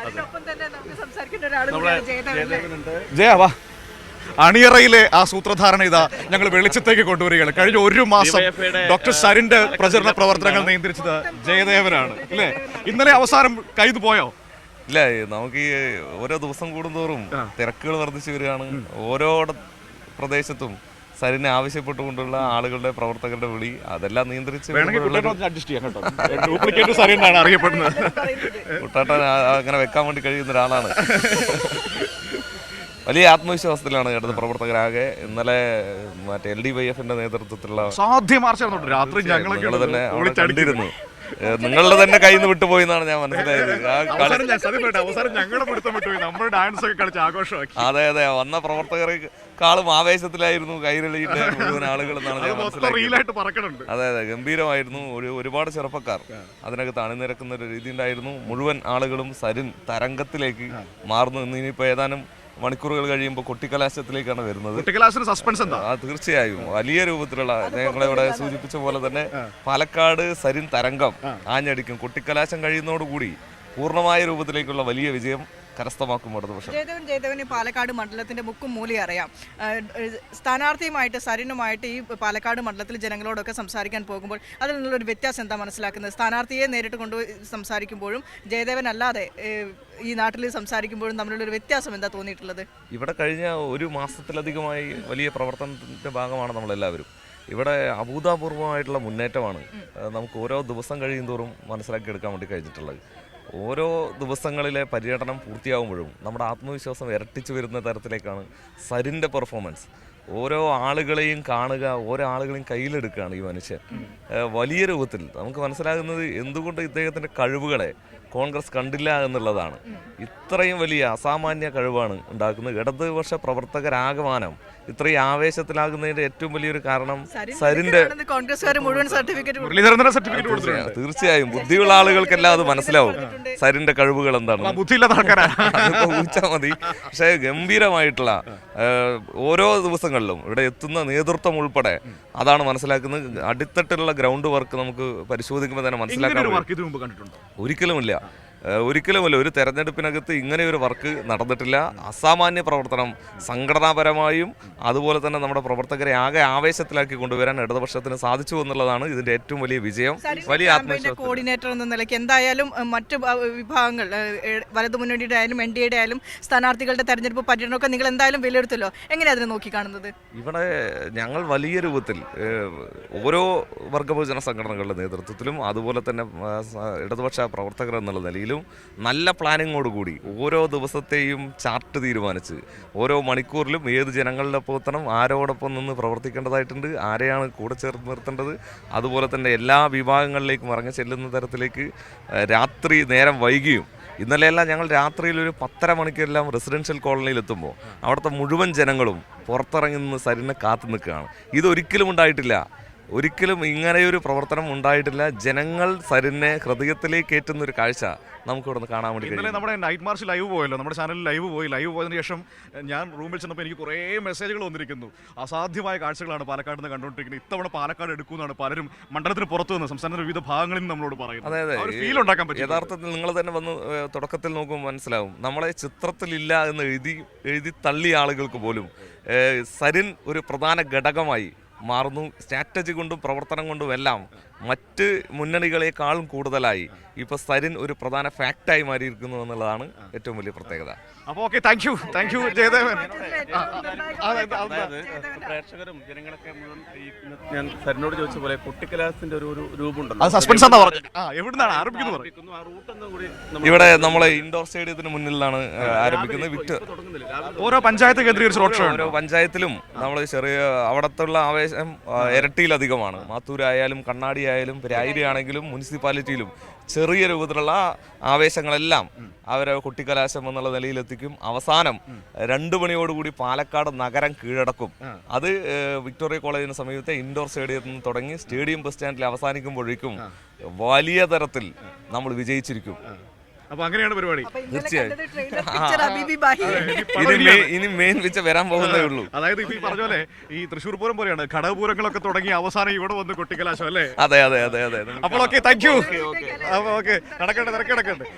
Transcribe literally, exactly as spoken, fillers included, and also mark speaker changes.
Speaker 1: ജയ വാ. അണിയറയിലെ ആ സൂത്രധാരണ ഇതാ ഞങ്ങൾ വെളിച്ചത്തേക്ക് കൊണ്ടുവരികയാണ്. കഴിഞ്ഞ ഒരു മാസം ഡോക്ടർ സരിന്റെ പ്രചരണ പ്രവർത്തനങ്ങൾ നിയന്ത്രിച്ചത് ജയദേവനാണ് അല്ലേ? ഇന്നലെ അവസാനം കൈത് പോയോ?
Speaker 2: ഇല്ല, നമുക്ക് ഈ ഓരോ ദിവസം കൂടുന്തോറും തിരക്കുകൾ വർദ്ധിച്ചു വരികയാണ്. ഓരോ പ്രദേശത്തും സരിനെ ആവശ്യപ്പെട്ടുകൊണ്ടുള്ള ആളുകളുടെ പ്രവർത്തകരുടെ വിളി അതെല്ലാം നിയന്ത്രിച്ച്
Speaker 1: അറിയപ്പെടുന്നത്.
Speaker 2: കുട്ടാട്ടൻ അങ്ങനെ വെക്കാൻ വേണ്ടി കഴിയുന്ന ഒരാളാണ്. വലിയ ആത്മവിശ്വാസത്തിലാണ് ഇടത് പ്രവർത്തകരാകെ. ഇന്നലെ മറ്റേ എൽ ഡി വൈ എഫിന്റെ നേതൃത്വത്തിലുള്ള
Speaker 1: രാത്രി
Speaker 2: ഞങ്ങൾ തന്നെ അവിടെ കണ്ടിരുന്നു. നിങ്ങളുടെ തന്നെ കയ്യിൽ നിന്ന് വിട്ടുപോയി എന്നാണ് ഞാൻ മനസ്സിലായത്. അതെ അതെ, വന്ന പ്രവർത്തകരെക്കാളും ആവേശത്തിലായിരുന്നു കൈരളിയുടെ മുഴുവൻ ആളുകൾ എന്നാണ് ഞാൻ മനസ്സിലാക്കിയത്. അതെ അതെ, ഗംഭീരമായിരുന്നു. ഒരു ഒരുപാട് ചെറുപ്പക്കാർ അതിനകത്ത് അണിനിരക്കുന്ന ഒരു രീതി ഉണ്ടായിരുന്നു. മുഴുവൻ ആളുകളും സരിൻ തരംഗത്തിലേക്ക് മാറുന്നു. ഇന്നിപ്പോ ഏതാനും മണിക്കൂറുകൾ കഴിയുമ്പോൾ കൊട്ടിക്കലാശത്തിലേക്കാണ് വരുന്നത്. തീർച്ചയായും വലിയ രൂപത്തിലുള്ള ഞങ്ങളിവിടെ സൂചിപ്പിച്ച പോലെ തന്നെ പാലക്കാട് സരിൻ തരംഗം ആഞ്ഞടിക്കും. കൊട്ടിക്കലാശം കഴിയുന്നതോടുകൂടി പൂർണ്ണമായ രൂപത്തിലേക്കുള്ള വലിയ വിജയം കരസ്ഥമാക്കും ഇടതുപക്ഷം.
Speaker 3: ജയദേവൻ ജയദേവന് പാലക്കാട് മണ്ഡലത്തിന്റെ മുക്കും മൂലയും അറിയാം. സ്ഥാനാർത്ഥിയുമായിട്ട് സരിനുമായിട്ട് ഈ പാലക്കാട് മണ്ഡലത്തിൽ ജനങ്ങളോടൊക്കെ സംസാരിക്കാൻ പോകുമ്പോൾ അതിൽ നിന്നുള്ളൊരു വ്യത്യാസം എന്താ മനസ്സിലാക്കുന്നത്? സ്ഥാനാർത്ഥിയെ നേരിട്ട് കൊണ്ടുപോയി സംസാരിക്കുമ്പോഴും ജയദേവൻ അല്ലാതെ ഈ നാട്ടിൽ സംസാരിക്കുമ്പോഴും തമ്മിലുള്ളൊരു വ്യത്യാസം എന്താ തോന്നിയിട്ടുള്ളത്?
Speaker 2: ഇവിടെ കഴിഞ്ഞ ഒരു മാസത്തിലധികമായി വലിയ പ്രവർത്തനത്തിന്റെ ഭാഗമാണ് നമ്മളെല്ലാവരും. ഇവിടെ അഭൂതപൂർവമായിട്ടുള്ള മുന്നേറ്റമാണ് നമുക്ക് ഓരോ ദിവസം കഴിയുന്തോറും മനസ്സിലാക്കിയെടുക്കാൻ വേണ്ടി കഴിഞ്ഞിട്ടുള്ളത്. ഓരോ ദിവസങ്ങളിലെ പര്യടനം പൂർത്തിയാകുമ്പോഴും നമ്മുടെ ആത്മവിശ്വാസം ഇരട്ടിച്ചു വരുന്ന തരത്തിലേക്കാണ് സരിൻ്റെ പെർഫോമൻസ്. ഓരോ ആളുകളെയും കാണുക, ഓരോ ആളുകളെയും കയ്യിലെടുക്കുകയാണ് ഈ മനുഷ്യൻ. വലിയ രൂപത്തിൽ നമുക്ക് മനസ്സിലാകുന്നത് എന്തുകൊണ്ട് ഇദ്ദേഹത്തിൻ്റെ കഴിവുകളെ കോൺഗ്രസ് കണ്ടില്ല എന്നുള്ളതാണ്. ഇത്രയും വലിയ അസാമാന്യ കഴിവാണ് ഉണ്ടാക്കുന്നത്. ഇടതുപക്ഷ പ്രവർത്തകരാകമാനം ഇത്രയും ആവേശത്തിലാകുന്നതിന്റെ ഏറ്റവും വലിയൊരു കാരണം സരിന്റെ തീർച്ചയായും ബുദ്ധിയുള്ള ആളുകൾക്കെല്ലാം അത് മനസ്സിലാവും സരിന്റെ കഴിവുകൾ എന്താണ്. ഊഹിച്ചാൽ മതി. പക്ഷേ ഗംഭീരമായിട്ടുള്ള ഓരോ ദിവസങ്ങളിലും ഇവിടെ എത്തുന്ന നേതൃത്വം ഉൾപ്പെടെ അതാണ് മനസ്സിലാക്കുന്നത്. അടിത്തട്ടിലുള്ള ഗ്രൗണ്ട് വർക്ക് നമുക്ക് പരിശോധിക്കുമ്പോൾ തന്നെ മനസ്സിലാക്കാൻ ഒരിക്കലുമില്ല ഒരിക്കലുമല്ല ഒരു തെരഞ്ഞെടുപ്പിനകത്ത് ഇങ്ങനെ ഒരു വർക്ക് നടന്നിട്ടില്ല. അസാമാന്യ പ്രവർത്തനം സംഘടനാപരമായും അതുപോലെ തന്നെ നമ്മുടെ പ്രവർത്തകരെ ആകെ ആവേശത്തിലാക്കി കൊണ്ടുവരാൻ ഇടതുപക്ഷത്തിന് സാധിച്ചു എന്നുള്ളതാണ് ഇതിന്റെ ഏറ്റവും വലിയ വിജയം. വലിയ ആത്മവിശ്വാസം.
Speaker 3: കോർഡിനേറ്റർ എന്ന നിലയ്ക്ക് എന്തായാലും മറ്റ് വിഭാഗങ്ങൾ വലതു മുന്നണിയുടെ ആയാലും എൻ ഡി എയുടെ ആയാലും സ്ഥാനാർത്ഥികളുടെ തെരഞ്ഞെടുപ്പ് പര്യടനമൊക്കെ നിങ്ങൾ എന്തായാലും വിലയിരുത്തല്ലോ. എങ്ങനെയാണ് അതിനെ നോക്കി കാണുന്നത്?
Speaker 2: ഇവിടെ ഞങ്ങൾ വലിയ രൂപത്തിൽ ഓരോ വർഗബഹുജന സംഘടനകളുടെ നേതൃത്വത്തിലും അതുപോലെ തന്നെ ഇടതുപക്ഷ പ്രവർത്തകർ എന്നുള്ള നിലയിലും നല്ല പ്ലാനിങ്ങോടുകൂടി ഓരോ ദിവസത്തെയും ചാർട്ട് തീരുമാനിച്ച് ഓരോ മണിക്കൂറിലും ഏത് ജനങ്ങളുടെ ഒപ്പം ആരോടൊപ്പം നിന്ന് പ്രവർത്തിക്കേണ്ടതായിട്ടുണ്ട്, ആരെയാണ് കൂടെ ചേർത്ത് നിർത്തേണ്ടത്, അതുപോലെ തന്നെ എല്ലാ വിഭാഗങ്ങളിലേക്കും ഇറങ്ങി ചെല്ലുന്ന തരത്തിലേക്ക് രാത്രി നേരം വൈകിയും ഇന്നലെയെല്ലാം ഞങ്ങൾ രാത്രിയിൽ ഒരു പത്തര മണിക്കെല്ലാം റെസിഡൻഷ്യൽ കോളനിയിൽ എത്തുമ്പോൾ അവിടുത്തെ മുഴുവൻ ജനങ്ങളും പുറത്തിറങ്ങി നിന്ന് സരിനെ കാത്തു നിൽക്കുകയാണ്. ഇതൊരിക്കലും ഉണ്ടായിട്ടില്ല. ഒരിക്കലും ഇങ്ങനെയൊരു പ്രവർത്തനം ഉണ്ടായിട്ടില്ല. ജനങ്ങൾ സരിനെ ഹൃദയത്തിലേക്ക് ഏറ്റുന്ന ഒരു കാഴ്ച നമുക്ക് ഇവിടെ നിന്ന് കാണാൻ വേണ്ടി കഴിയും.
Speaker 1: നമ്മുടെ നൈറ്റ് മാർച്ച് ലൈവ് പോയല്ലോ, നമ്മുടെ ചാനലിൽ ലൈവ് പോയി. ലൈവ് പോയതിനു ശേഷം ഞാൻ റൂമിൽ ചെന്നപ്പോൾ എനിക്ക് കുറേ മെസ്സേജുകൾ വന്നിരിക്കുന്നു. അസാധ്യമായ കാഴ്ചകളാണ് പാലക്കാട് നിന്ന് കണ്ടുകൊണ്ടിരിക്കുന്നത്. ഇത്തവണ പാലക്കാട് എടുക്കുമെന്നാണ് പലരും മണ്ഡലത്തിന് പുറത്തു നിന്ന് സംസ്ഥാനത്തിന്റെ വിവിധ ഭാഗങ്ങളിൽ നിന്ന് നമ്മളോട് പറയുന്നത്.
Speaker 2: അതെ അതെ,
Speaker 1: ഫീൽ ഉണ്ടാക്കാൻ പറ്റും.
Speaker 2: യഥാർത്ഥത്തിൽ നിങ്ങൾ തന്നെ വന്ന് തുടക്കത്തിൽ നോക്കുമ്പോൾ മനസ്സിലാവും. നമ്മളെ ചിത്രത്തിലില്ല എന്ന് എഴുതി എഴുതി തള്ളിയ ആളുകൾക്ക് പോലും സരിൻ ഒരു പ്രധാന ഘടകമായി മാറുന്നു. സ്ട്രാറ്റജി കൊണ്ടും പ്രവർത്തനം കൊണ്ടും എല്ലാം മറ്റ് മുന്നണികളെക്കാളും കൂടുതലായി ഇപ്പൊ സരിൻ ഒരു പ്രധാന ഫാക്റ്റായി മാറിയിരിക്കുന്നു എന്നുള്ളതാണ് ഏറ്റവും വലിയ പ്രത്യേകത.
Speaker 1: അപ്പോൾ okay, thank you thank you Jayadevan.
Speaker 4: പ്രേക്ഷകരും ജനങ്ങളൊക്കെ മുഴുവൻ ഞാൻ സരിനോട് ചോദിച്ച പോലെ കുട്ടിക്കലാസിന്റെ ഒരു രൂപമുണ്ടല്ലോ,
Speaker 2: ഇവിടെ നമ്മളെ ഇൻഡോർ സ്റ്റേഡിയത്തിന് മുന്നിലാണ് ആരംഭിക്കുന്നത്. വിക്ടർ
Speaker 1: ഓരോ പഞ്ചായത്ത് കേന്ദ്രീകരിച്ച് റോഡ് ഷോ
Speaker 2: ഓരോ പഞ്ചായത്തിലും നമ്മൾ ചെറിയ അവിടത്തുള്ള ആവേശം ഇരട്ടിയിലധികമാണ്. മാത്തൂരായാലും കണ്ണാടി ആയാലും രായിരി ആണെങ്കിലും മുനിസിപ്പാലിറ്റിയിലും ചെറിയ രൂപത്തിലുള്ള ആവേശങ്ങളെല്ലാം അവരെ കുട്ടിക്കലാശം എന്നുള്ള നിലയിലെത്തിക്കും. അവസാനം രണ്ടു മണിയോടുകൂടി പാലക്കാട് നഗരം കീഴടക്കും. അത് വിക്ടോറിയ കോളേജിന് സമീപത്തെ ഇൻഡോർ സ്റ്റേഡിയത്തിൽ നിന്ന് തുടങ്ങി സ്റ്റേഡിയം ബസ് സ്റ്റാൻഡിൽ അവസാനിക്കുമ്പോഴേക്കും വലിയ തരത്തിൽ നമ്മൾ വിജയിച്ചിരിക്കും.
Speaker 1: അപ്പൊ അങ്ങനെയാണ് പരിപാടി.
Speaker 2: ഇനി മെയിൻ പിച്ച വരാൻ പോകുന്നേ ഉള്ളൂ.
Speaker 1: അതായത് ഇപ്പൊ ഈ പറഞ്ഞ പോലെ ഈ തൃശ്ശൂർ പൂരം പോലെയാണ്, ഘടകപൂരങ്ങളൊക്കെ തുടങ്ങി അവസാനം ഇവിടെ വന്ന് കൊട്ടിക്കലാശം അല്ലേ?
Speaker 2: അതെ അതെ അതെ അതെ.
Speaker 1: അപ്പോൾ ഓക്കെ, താങ്ക് യു. ഓക്കെ, നടക്കട്ടെ, തിരക്കിടക്കട്ടെ.